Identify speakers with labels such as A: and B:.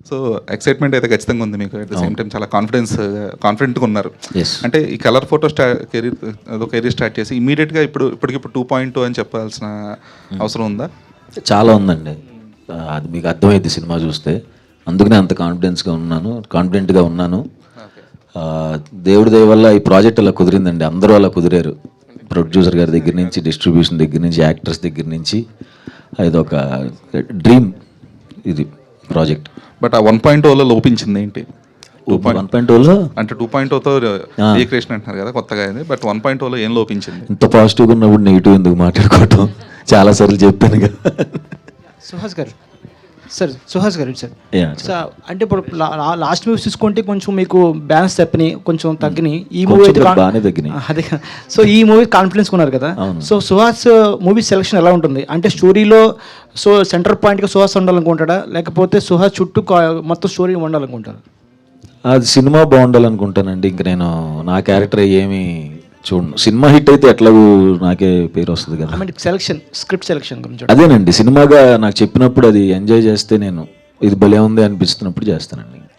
A: So excitement అయితే ఖచ్చితంగా ఉంది మీకు. అట్ ద సేమ్ టైం చాలా కాన్ఫిడెంట్గా ఉన్నారు. అంటే ఈ కలర్ ఫోటో కెరీర్ స్టార్ట్ చేసి ఇమీడియట్గా ఇప్పటికిప్పుడు 2.2 అని చెప్పాల్సిన అవసరం ఉందా?
B: చాలా ఉందండి, అది మీకు అర్థమైంది సినిమా చూస్తే. అందుకనే అంత కాన్ఫిడెంట్గా ఉన్నాను. దేవుడి దయ వల్ల ఈ ప్రాజెక్ట్ అలా కుదిరిందండి. అందరూ అలా కుదిరారు, ప్రొడ్యూసర్ గారి దగ్గర నుంచి, డిస్ట్రిబ్యూషన్ దగ్గర నుంచి, యాక్టర్స్ దగ్గర నుంచి. ఇది ఒక డ్రీమ్ ఇది ప్రాజెక్ట్.
A: బట్ ఆ 1.0లో లోపించింది ఏంటి?
B: 1.0లో
A: అంటే 2.0తో రీక్రియేషన్ అంటున్నారు కదా కొత్తగా అయింది, బట్ 1.0లో ఏం లోపించింది?
B: ఇంత పాజిటివ్గా ఉన్నప్పుడు నెగిటివ్ ఎందుకు మాట్లాడుకోవటం? చాలాసార్లు చెప్పాను కదా.
C: సుహాస్ గారు సార్ అంటే ఇప్పుడు లాస్ట్ మూవీస్ చూసుకుంటే కొంచెం మీకు బ్యాలెన్స్ తప్పినాయి, కొంచెం తగ్గినాయి. ఈ మూవీ అయితే
B: బాగానే తగ్గినాయి.
C: అదే, సో ఈ మూవీ కాన్ఫిడెన్స్ ఉన్నారు కదా. సో సుహాస్ మూవీ సెలెక్షన్ ఎలా ఉంటుంది? అంటే స్టోరీలో సెంటర్ పాయింట్గా సుహాస్ ఉండాలనుకుంటాడా, లేకపోతే సుహాస్ చుట్టూ మొత్తం స్టోరీ ఉండాలనుకుంటారా?
B: అది సినిమా బాగుండాలనుకుంటానండి. ఇంక నేను నా క్యారెక్టర్ ఏమి చూడండి. సినిమా హిట్ అయితే ఎట్లాగూ నాకే పేరు వస్తుంది కదా.
C: స్క్రిప్ట్ సెలెక్షన్ గురించి
B: అదేనండి, సినిమాగా నాకు చెప్పినప్పుడు అది ఎంజాయ్ చేస్తే, నేను ఇది భలే ఉంది అనిపిస్తున్నప్పుడు చేస్తానండి.